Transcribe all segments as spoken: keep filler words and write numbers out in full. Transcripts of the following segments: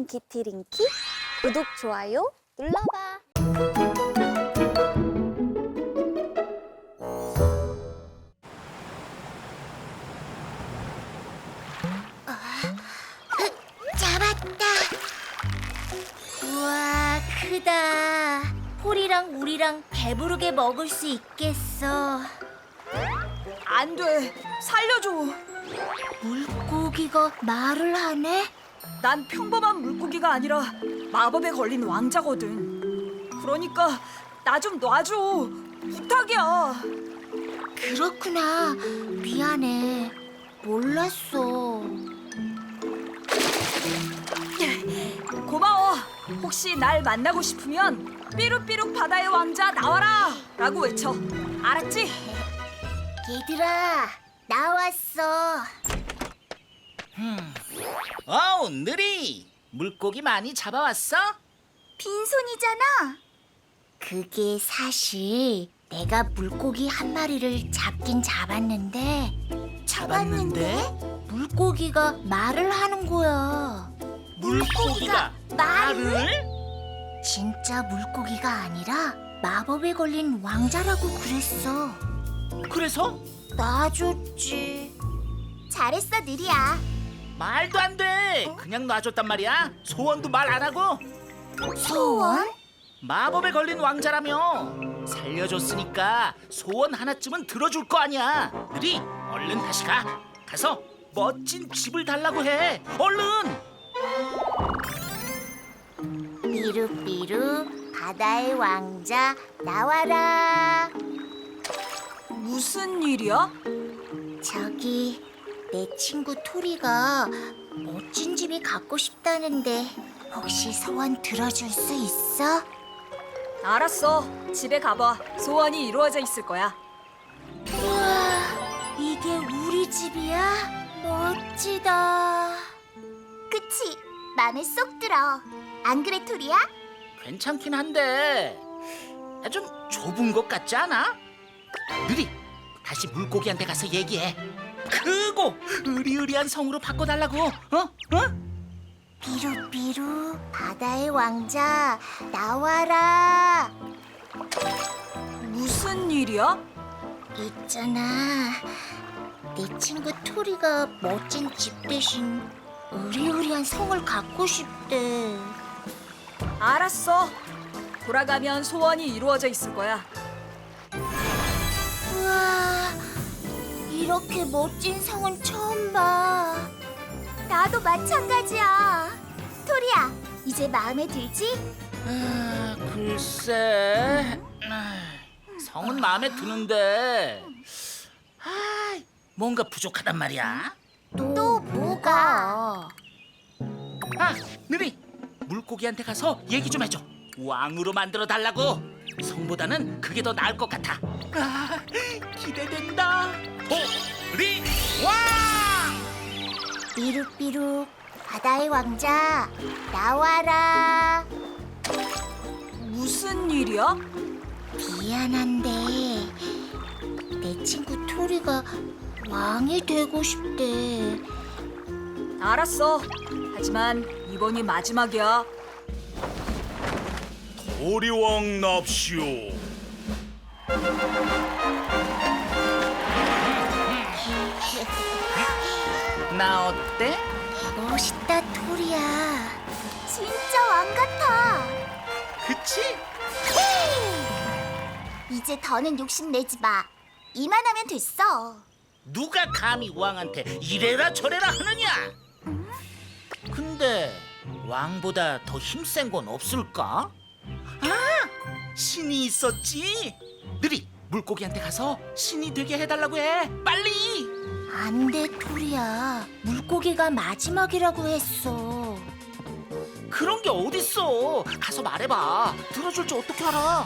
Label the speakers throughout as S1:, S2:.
S1: 링키티링키 구독, 좋아요 눌러봐.
S2: 잡았다. 우와, 크다. 폴이랑 우리랑 배부르게 먹을 수 있겠어.
S3: 안 돼. 살려줘.
S2: 물고기가 말을 하네?
S3: 난 평범한 물고기가 아니라 마법에 걸린 왕자거든. 그러니까 나 좀 놔줘. 부탁이야.
S2: 그렇구나. 미안해. 몰랐어.
S3: 고마워. 혹시 날 만나고 싶으면 삐룩삐룩 바다의 왕자 나와라 라고 외쳐. 알았지?
S2: 얘들아, 나왔어.
S4: 어우, 느리! 물고기 많이 잡아왔어?
S2: 빈손이잖아. 그게 사실 내가 물고기 한 마리를 잡긴 잡았는데
S4: 잡았는데?
S2: 물고기가 말을 하는 거야.
S4: 물고기가 말을?
S2: 진짜 물고기가 아니라 마법에 걸린 왕자라고 그랬어.
S4: 그래서?
S2: 놔줬지. 잘했어, 느리야.
S4: 말도 안 돼! 그냥 놔줬단 말이야? 소원도 말 안 하고?
S2: 소원?
S4: 마법에 걸린 왕자라며 살려줬으니까 소원 하나쯤은 들어줄 거 아니야. 느리, 얼른 다시 가. 가서 멋진 집을 달라고 해. 얼른!
S2: 삐루삐루 바다의 왕자 나와라.
S3: 무슨 일이야?
S2: 저기 내 친구 토리가 멋진 집이 갖고 싶다는데 혹시 소원 들어줄 수 있어?
S3: 알았어. 집에 가봐. 소원이 이루어져 있을 거야.
S2: 우와, 이게 우리 집이야? 멋지다. 그치? 맘에 쏙 들어. 안 그래, 토리야?
S4: 괜찮긴 한데 아, 좀 좁은 것 같지 않아? 느리, 다시 물고기한테 가서 얘기해. 크고 으리으리한 성으로 바꿔달라고. 어? 어?
S2: 삐루삐루 바다의 왕자 나와라.
S3: 무슨 일이야?
S2: 있잖아, 내 친구 토리가 멋진 집 대신 으리으리한 성을 갖고 싶대.
S3: 알았어. 돌아가면 소원이 이루어져 있을 거야.
S2: 우와, 이렇게 멋진 성은 처음 봐. 나도 마찬가지야. 토리야, 이제 마음에 들지?
S4: 아, 글쎄, 아, 성은 마음에 드는데 아, 뭔가 부족하단 말이야.
S2: 또 뭐가?
S4: 아, 느리, 물고기한테 가서 얘기 좀 해줘. 왕으로 만들어 달라고. 성보다는 그게 더 나을 것 같아. 아, 기대된다. 토리 왕!
S2: 삐룩삐룩 바다의 왕자 나와라.
S3: 무슨 일이야?
S2: 미안한데 내 친구 토리가 왕이 되고 싶대.
S3: 알았어. 하지만 이번이 마지막이야.
S5: 도리왕 납시오.
S4: 나 어때?
S2: 멋있다, 토리야. 진짜 왕 같아.
S4: 그치?
S2: 이제 더는 욕심내지 마. 이만하면 됐어.
S4: 누가 감히 왕한테 이래라 저래라 하느냐? 근데 왕보다 더 힘센 건 없을까? 아, 신이 있었지. 느리, 물고기한테 가서 신이 되게 해달라고 해. 빨리.
S2: 안 돼, 토리야. 물고기가 마지막이라고 했어.
S4: 그런 게 어딨어. 가서 말해봐. 들어줄 줄 어떻게 알아?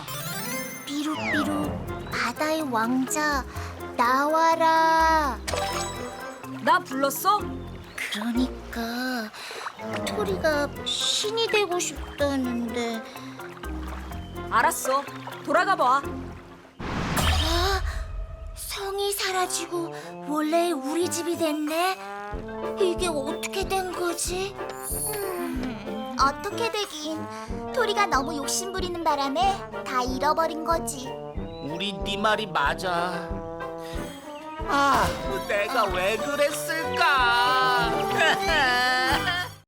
S2: 삐룩삐룩 바다의 왕자 나와라.
S3: 나 불렀어?
S2: 그러니까 토리가 신이 되고 싶다는데.
S3: 알았어. 돌아가 봐.
S2: 아, 성이 사라지고 원래 우리 집이 됐네. 이게 어떻게 된 거지? 음, 어떻게 되긴. 토리가 너무 욕심부리는 바람에 다 잃어버린 거지.
S4: 우리 네 말이 맞아. 아, 내가 왜 그랬을까?